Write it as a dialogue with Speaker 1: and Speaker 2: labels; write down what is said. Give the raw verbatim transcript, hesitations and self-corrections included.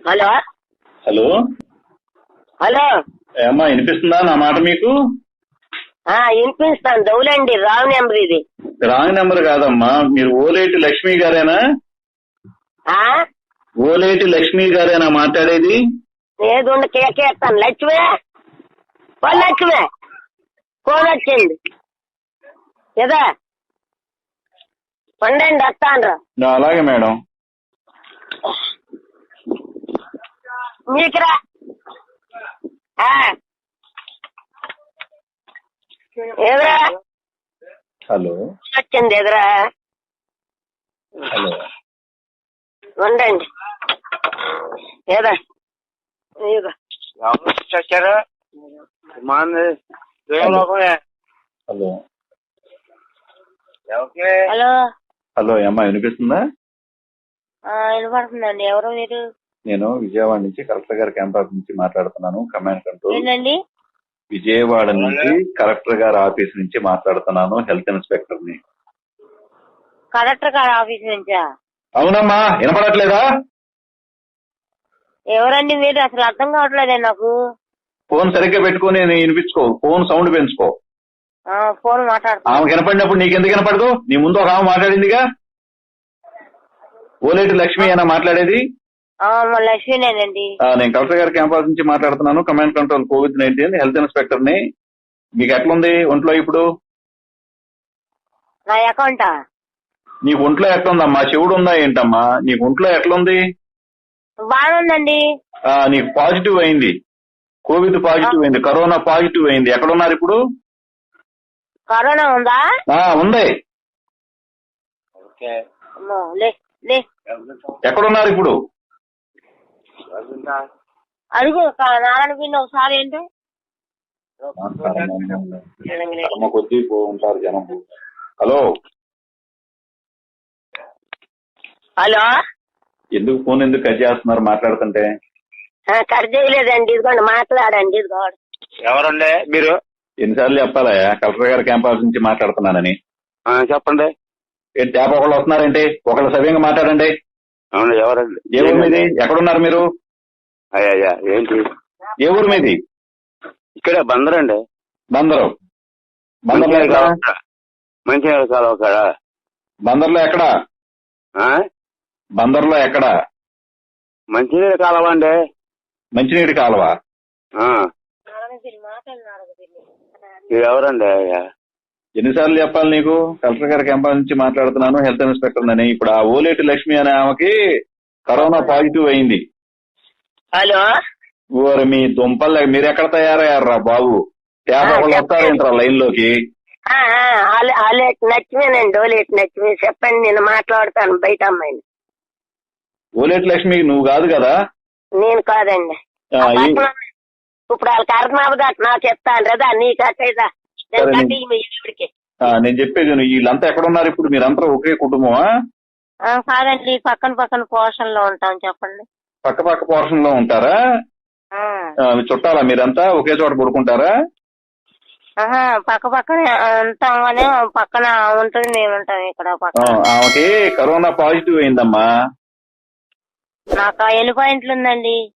Speaker 1: Hello
Speaker 2: hello
Speaker 1: hello
Speaker 2: ఏమ్మా వినిపిస్తుందా నా మాట మీకు?
Speaker 1: వినిపిస్తాను. దౌలండి, రాంగ్ నెంబర్ ఇది.
Speaker 2: రాంగ్ నెంబర్ కాదమ్మా, మీరు ఓలేటి లక్ష్మి గారేనా? ఓలేటి లక్ష్మి గారేనా మాట్లాడేది?
Speaker 1: ఏది ఉండి కేకేస్తాను. లక్ష్మే ఓ లక్ష్మే ఫోన్ వచ్చింది కదా, పండండి వస్తాను.
Speaker 2: అలాగే మేడం.
Speaker 1: మీకురా ఎదురా
Speaker 2: హలో
Speaker 1: వచ్చింది ఎదురా.
Speaker 2: హలో
Speaker 1: ఉండండి ఏదా
Speaker 3: వచ్చారు.
Speaker 2: హలో
Speaker 1: హలో
Speaker 2: హలో ఏమ్మా వినిపిస్తుందా?
Speaker 1: వినపడుతుందండి. ఎవరు మీరు?
Speaker 2: నేను విజయవాడ నుంచి కలెక్టర్ గారి క్యాంపస్ నుంచి మాట్లాడుతున్నాను. Command control.
Speaker 1: ఏంటండి?
Speaker 2: విజయవాడ నుంచి కలెక్టర్ గారి ఆఫీస్ నుంచి మాట్లాడుతున్నాను. హెల్త్ ఇన్స్పెక్టర్ ని.
Speaker 1: కలెక్టర్ గారి ఆఫీస్ నుంచా?
Speaker 2: అవునమ్మా, వినపడట్లేదా?
Speaker 1: ఎవరండి మీరు? అసలు అర్థం కావట్లేదే నాకు.
Speaker 2: ఫోన్ సరిగ్గా పెట్టుకుని వినిపించుకో. ఫోన్ సౌండ్ పెంచుకో.
Speaker 1: ఫోన్ మాట్లాడుతున్నా.
Speaker 2: ఆమె వినపడినప్పుడు నీకెందుకు వినపడదు? నీ ముందు ఒక ఆమె మాట్లాడిందిగా. ఓలేటి లక్ష్మి అయినా మాట్లాడేది?
Speaker 1: లక్ష్మీనేనండి.
Speaker 2: నేను కలెక్టర్ గారి క్యాంపస్ నుంచి మాట్లాడుతున్నాను. Command control covid nineteen health inspector ని. మీకు ఎట్లుంది ఒంట్లో ఇప్పుడు?
Speaker 1: నా అకౌంటా?
Speaker 2: నీకు ఒంట్లో ఎట్లుందమ్మా? చెవుడు ఉందా ఏంటమ్మా? నీకు ఒంట్లో ఎట్లుంది?
Speaker 1: బాగుందండి.
Speaker 2: నీకు పాజిటివ్ అయింది, కోవిడ్ పాజిటివ్ అయింది, కరోనా పాజిటివ్ అయింది. ఎక్కడున్నారు ఇప్పుడు?
Speaker 1: కరోనా ఉందా?
Speaker 2: ఉంది. ఎక్కడున్నారు ఇప్పుడు?
Speaker 1: అడుగు నారాయణ పిండి ఒకసారి. ఏంటి
Speaker 2: కొద్దీ ఉంటారు జనం. హలో
Speaker 1: హలో
Speaker 2: ఎందుకు ఫోన్ ఎందుకు కట్ చేస్తున్నారు మాట్లాడుతుంటే?
Speaker 1: కట్ చేయలేదండి, ఇదిగోండి మాట్లాడండి. ఇదిగోండి.
Speaker 3: ఎవరండి మీరు?
Speaker 2: ఎన్నిసార్లు చెప్పాలా కలెక్టర్ గారి క్యాంపస్ నుంచి మాట్లాడుతున్నానని?
Speaker 3: చెప్పండి.
Speaker 2: ఏంటి తేప ఒకళ్ళు వస్తున్నారేంటి? ఒకళ్ళు సవ్యంగా మాట్లాడండి.
Speaker 3: అవును, ఎవరండి?
Speaker 2: ఏ ఊరు మీది? ఎక్కడున్నారు మీరు?
Speaker 3: అయ్యా ఏంటి? ఏ
Speaker 2: ఊరు మీది?
Speaker 3: ఇక్కడ బందరండి.
Speaker 2: బందరు. బందర్లో ఎక్కడ?
Speaker 3: మంచినీళ్ళ కాలువ కాడ.
Speaker 2: బందర్లో ఎక్కడ? బందర్లో ఎక్కడ?
Speaker 3: మంచినీళ్ళ కాలువ అండి.
Speaker 2: మంచినీటి కాలువ.
Speaker 3: మీరు ఎవరండి? అయ్యా
Speaker 2: ఎన్నిసార్లు చెప్పాలి నీకు? కలెక్టర్ గారి క్యాంపస్ నుంచి మాట్లాడుతున్నాను, హెల్త్ ఇన్స్పెక్టర్ అని. ఇప్పుడు ఆ ఓలేటి లక్ష్మి అనే ఆమెకి కరోనా పాజిటివ్ అయింది.
Speaker 1: హలో
Speaker 2: ఓరి మీ దుంపల్, మీరు ఎక్కడ తయారయ్యారా బాబు? తేప ఒకళ్ళు వస్తారేంట్రా లైన్ లోకి?
Speaker 1: నచ్చిమేనండి. ఓలేటి లక్ష్మి చెప్పండి, నేను మాట్లాడతాను బయట అమ్మాయిని.
Speaker 2: ఓలేటి లక్ష్మి నువ్వు కాదు కదా?
Speaker 1: నేను కాదండి. ఇప్పుడు వాళ్ళకి అర్థం అవ్వదు. నాకు చెప్తాను రదా, నీ కట్టేదా?
Speaker 2: నేను చెప్పేది వీళ్ళంతా ఎక్కడున్నారు ఇప్పుడు? మీరంతా ఒకే కుటుంబమా?
Speaker 1: కాదండి, పక్కన పక్కన పోర్షన్ లో ఉంటాం. చెప్పండి.
Speaker 2: పక్క పక్క పోర్షన్ లో ఉంటారా? చుట్టాలా మీరంతా? ఒకే చోట పడుకుంటారా?
Speaker 1: పక్క పక్కన ఉంటాం కానీ పక్కన ఉంటుంది, మేము ఉంటాం ఇక్కడ పక్కన.
Speaker 2: ఆమెకి కరోనా పాజిటివ్ అయిందమ్మా.
Speaker 1: నాకు ఎన్ని పాయింట్లు ఉందండి?